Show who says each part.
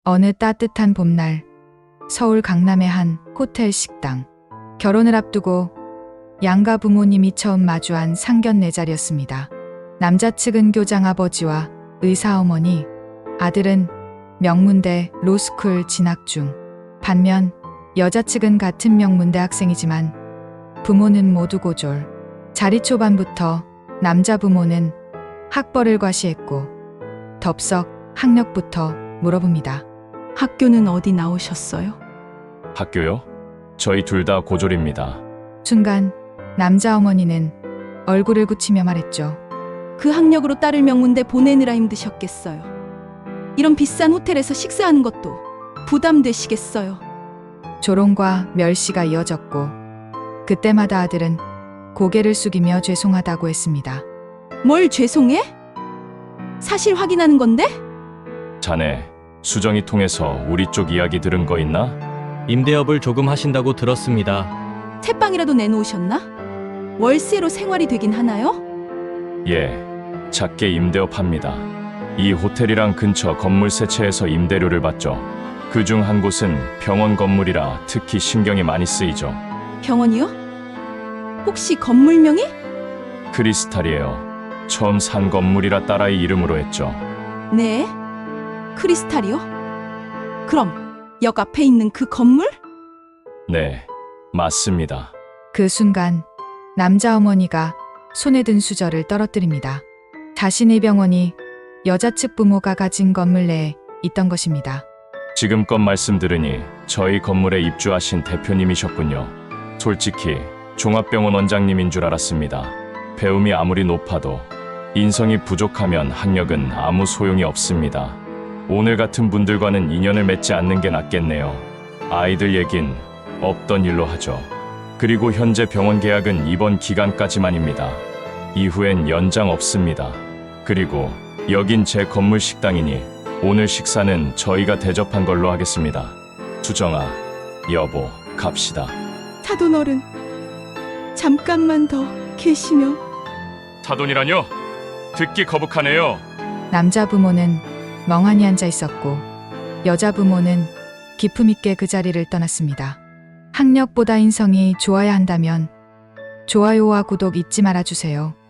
Speaker 1: 어느 따뜻한 봄날, 서울 강남의 한 호텔 식당. 결혼을 앞두고 양가 부모님이 처음 마주한 상견례 자리였습니다. 남자 측은 교장 아버지와 의사 어머니, 아들은 명문대 로스쿨 진학 중. 반면 여자 측은 같은 명문대 학생이지만 부모는 모두 고졸. 자리 초반부터 남자 부모는 학벌을 과시했고 덥석 학력부터 물어봅니다.
Speaker 2: 학교는 어디 나오셨어요?
Speaker 3: 학교요? 저희 둘 다 고졸입니다.
Speaker 1: 순간 남자 어머니는 얼굴을 굳히며 말했죠.
Speaker 2: 그 학력으로 딸을 명문대 보내느라 힘드셨겠어요. 이런 비싼 호텔에서 식사하는 것도 부담되시겠어요.
Speaker 1: 조롱과 멸시가 이어졌고 그때마다 아들은 고개를 숙이며 죄송하다고 했습니다.
Speaker 2: 뭘 죄송해? 사실 확인하는 건데?
Speaker 3: 자네, 수정이 통해서 우리 쪽 이야기 들은 거 있나?
Speaker 4: 임대업을 조금 하신다고 들었습니다.
Speaker 2: 채빵이라도 내놓으셨나? 월세로 생활이 되긴 하나요?
Speaker 3: 예, 작게 임대업 합니다. 이 호텔이랑 근처 건물 세 채에서 임대료를 받죠. 그중 한 곳은 병원 건물이라 특히 신경이 많이 쓰이죠.
Speaker 2: 병원이요? 혹시 건물명이?
Speaker 3: 크리스탈이에요. 처음 산 건물이라 딸아이 이름으로 했죠.
Speaker 2: 네. 크리스탈이요? 그럼 역 앞에 있는 그 건물?
Speaker 3: 네, 맞습니다.
Speaker 1: 그 순간 남자 어머니가 손에 든 수저를 떨어뜨립니다. 자신의 병원이 여자 측 부모가 가진 건물 내에 있던 것입니다.
Speaker 3: 지금껏 말씀 들으니 저희 건물에 입주하신 대표님이셨군요. 솔직히 종합병원 원장님인 줄 알았습니다. 배움이 아무리 높아도 인성이 부족하면 학력은 아무 소용이 없습니다. 오늘 같은 분들과는 인연을 맺지 않는 게 낫겠네요. 아이들 얘긴 없던 일로 하죠. 그리고 현재 병원 계약은 이번 기간까지만입니다. 이후엔 연장 없습니다. 그리고 여긴 제 건물 식당이니 오늘 식사는 저희가 대접한 걸로 하겠습니다. 수정아, 여보, 갑시다.
Speaker 2: 사돈 어른, 잠깐만 더 계시며.
Speaker 3: 사돈이라뇨? 듣기 거북하네요.
Speaker 1: 남자 부모는 멍하니 앉아 있었고 여자 부모는 기품 있게 그 자리를 떠났습니다. 학력보다 인성이 좋아야 한다면 좋아요와 구독 잊지 말아주세요.